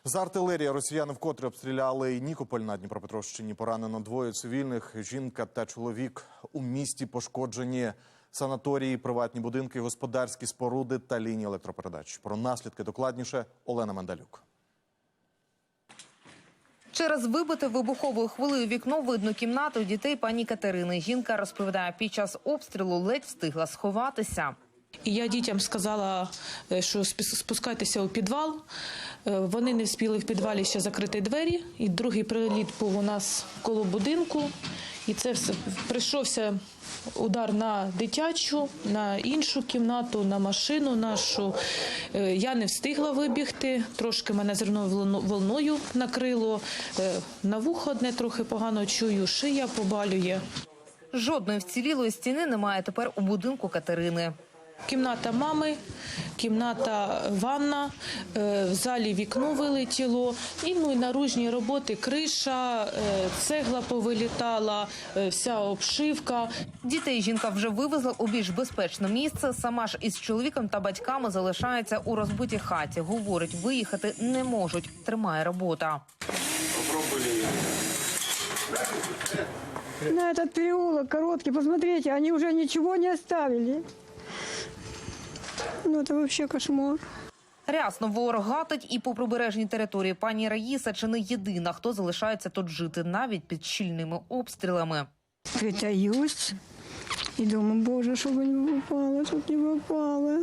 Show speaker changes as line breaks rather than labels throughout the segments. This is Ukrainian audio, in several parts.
З артилерії росіяни вкотре обстріляли Нікополь на Дніпропетровщині. Поранено двоє цивільних – жінка та чоловік. У місті пошкоджені санаторії, приватні будинки, господарські споруди та лінії електропередач. Про наслідки докладніше Олена Мандалюк.
Через вибите вибуховою хвилею вікно видно кімнату дітей пані Катерини. Жінка розповідає, під час обстрілу ледь встигла сховатися.
І я дітям сказала, що спускайтеся у підвал. Вони не встигли в підвалі ще закрити двері. І другий приліт був у нас коло будинку. І це все прийшовся удар на дитячу, на іншу кімнату, на машину нашу. Я не встигла вибігти, трошки мене зерновою волною накрило. На вухо одне трохи погано чую, шия побалює.
Жодної вцілілої стіни немає тепер у будинку Катерини.
Кімната мами, кімната ванна, в залі вікно вилетіло, і наружні роботи, криша, цегла повилітала, вся обшивка.
Дітей жінка вже вивезла у більш безпечне місце. Сама ж із чоловіком та батьками залишається у розбитій хаті. Говорить, виїхати не можуть. Тримає робота.
На этот переулок короткий, посмотрите, они уже ничего не оставили. Ну, це взагалі кошмар.
Рясно ворог гатить і по прибережній території. Пані Раїса чи не єдина, хто залишається тут жити, навіть під щільними обстрілами.
Притаюсь і думаю, Боже, щоб не попало, щоб не попало.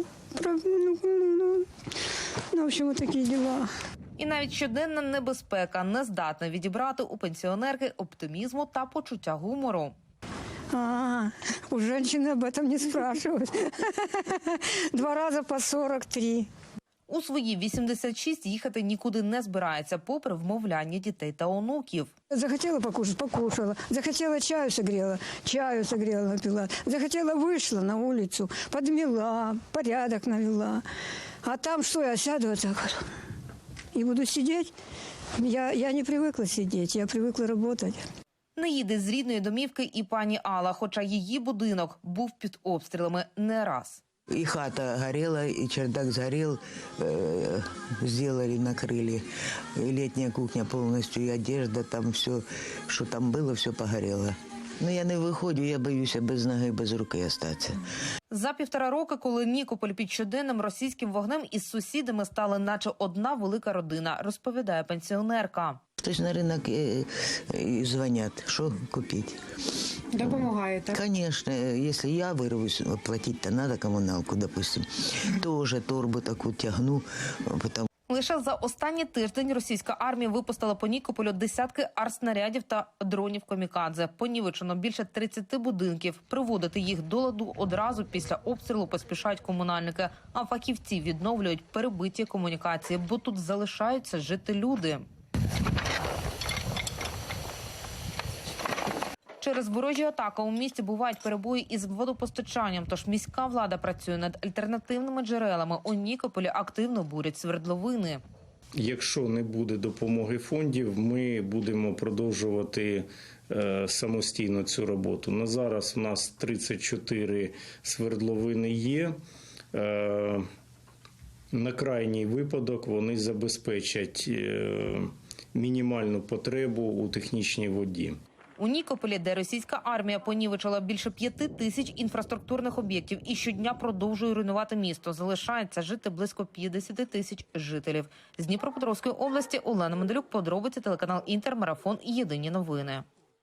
Ну, в общем, такі діла.
І навіть щоденна небезпека не здатна відібрати у пенсіонерки оптимізму та почуття гумору.
У женщины об этом не спрашивают. 2 рази по 43.
У свої 86 їхати нікуди не збирається, попри вмовляння дітей та онуків.
Захотела покушать – покушала. Захотела чаю согрела, напила. Захотела – вышла на улицу, подмела, порядок навела. А там что, я сяду вот так вот и буду сидеть? Я не привыкла сидеть, я привыкла работать.
Не їде з рідної домівки і пані Алла, хоча її будинок був під обстрілами не раз.
И хата горела, и чердак сгорел, сделали, накрыли. И летняя кухня полностью, и одежда, там все, что там было, все погорело. Но я не виходжу, я боюся без ноги, без руки остатися.
За 1,5 роки, коли Нікополь під щоденним російським вогнем, із сусідами стали наче одна велика родина, розповідає пенсіонерка.
Хтось на ринок і дзвонять, що купити.
Допомагаєте?
Звісно, якщо я вирвусь, платити, то треба комуналку, допустим. Теж торбу таку тягну, потім.
Лише за останній тиждень російська армія випустила по Нікополю десятки артснарядів та дронів камікадзе. Понівечено більше 30 будинків. Приводити їх до ладу одразу після обстрілу поспішають комунальники. А фахівці відновлюють перебиті комунікації, бо тут залишаються жити люди. Через ворожі атаки у місті бувають перебої із водопостачанням, тож міська влада працює над альтернативними джерелами. У Нікополі активно бурять свердловини.
Якщо не буде допомоги фондів, ми будемо продовжувати самостійно цю роботу. На зараз у нас 34 свердловини є. На крайній випадок вони забезпечать мінімальну потребу у технічній воді.
У Нікополі, де російська армія понівечила більше 5 тисяч інфраструктурних об'єктів і щодня продовжує руйнувати місто, залишається жити близько 50 тисяч жителів. З Дніпропетровської області Олена Мандалюк, подробиці, телеканал «Інтер», марафон «Єдині новини».